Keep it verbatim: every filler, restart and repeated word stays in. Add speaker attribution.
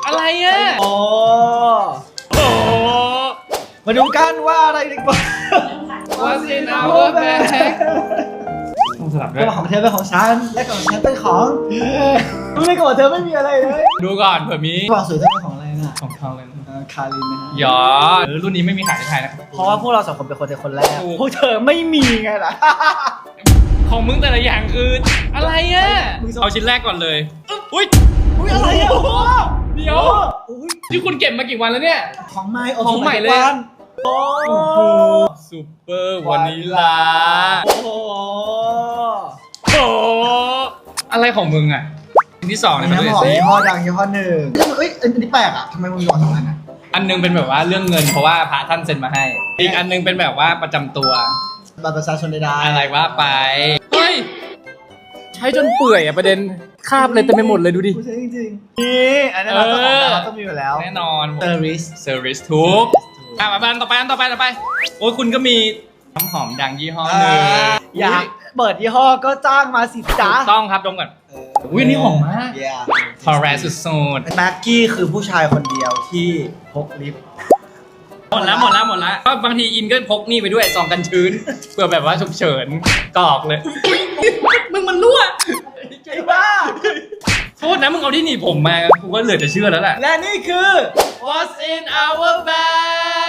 Speaker 1: อะไรอ่ะ
Speaker 2: โอ้
Speaker 1: โอ้
Speaker 2: มาดูกันว่าอะไรดีกว่า
Speaker 1: What's in our bag ต้องสลับด้วย
Speaker 2: ของเธอเป็นของฉันและของฉันเป็นของรู้เลยก่อนเธอไม่มีอะไรเลย
Speaker 1: ดูก่อนเผื่อมี
Speaker 2: กล่องสวยเธอเป็นของอะไรน่ะ
Speaker 1: ของเขาเลย
Speaker 2: เอ่อคารินนะฮะ
Speaker 1: หยอเออรุ่นนี้ไม่มีขายในไทยนะครับ
Speaker 2: เพราะว่าพวกเราสองคนเป็นคนเจอคนแรก
Speaker 1: ถูก
Speaker 2: พวกเธอไม่มีไงล่ะ
Speaker 1: ของมึงแต่ละอย่างคืออะไรอ่ะ
Speaker 2: มึงจะ
Speaker 1: เอาชิ้นแรกก่อนเลยอุ้ย
Speaker 2: อุ้ยอะไรอ่ะโอ้โห
Speaker 1: เดี๋ยว
Speaker 2: อุ้ย
Speaker 1: ที่คุณเก็บมากี่วันแล้วเนี่ย
Speaker 2: ของใหม่
Speaker 1: ของใหม่เลย
Speaker 2: โอ้
Speaker 1: โอ้โหซูเปอร์วานิลา
Speaker 2: โอ้โห
Speaker 1: โอ้อะไรของมึงอ่ะชิ้นที่สองเนี่ยมา
Speaker 2: น้ำ
Speaker 1: ดู
Speaker 2: หอม
Speaker 1: สิ
Speaker 2: ยี่ห้อดังยี่ห้อหนึ่งเอ้ยอันนี้แปลกอ่ะทำไมมึงมีหลอดสองอันอ่ะ
Speaker 1: อันนึงเป็นแบบว่าเรื่องเงินเพราะว่าพระท่านเซ็นมาให้ อีกอันนึงเป็นแบบว่าประจำตัว
Speaker 2: บัตรประชาชนใดๆ
Speaker 1: อะไรว่าไป เฮ้ย ใช้จนเปื่อยอ่ะประเด็นคราบเลยเต็มไปหมดเลยดูดิ
Speaker 2: กูใช้จริงๆนี่อันนี้เราต้องของเราต้องมีอยู่แล้ว
Speaker 1: แน่นอน
Speaker 2: เซอร์วิส
Speaker 1: เซอร์วิสทุกอ่ะมาบ้านต่อไปอันต่อไปต่อไป โอ้ยคุณก็มีน้ำหอมดังยี่ห้อหนึ่ง
Speaker 2: อยากเปิดยี่ห้อก็จ้างมาสิจ้า
Speaker 1: ถูกต้องครับดมก่อน อุ๊ยนี่หอมมาก ทอร์เรสสุด
Speaker 2: แม็กกี้คือผู้ชายคนเดียวที่พกลิป
Speaker 1: ๆหมดแล้วหมดแล้วหมดแล้วก็บางทีอินก็พกนี่ไปด้วยซองกันชื้น เพื่อแบบว่าฉุกเฉินกรอกเลย มึงมันรั่ว
Speaker 2: ไอ้บ้า
Speaker 1: โทษนะมึงเอาที่หนีบผมมากูก็เหลือจะเชื่อแล้วแหละ
Speaker 2: และนี่คือ
Speaker 1: What's in our bag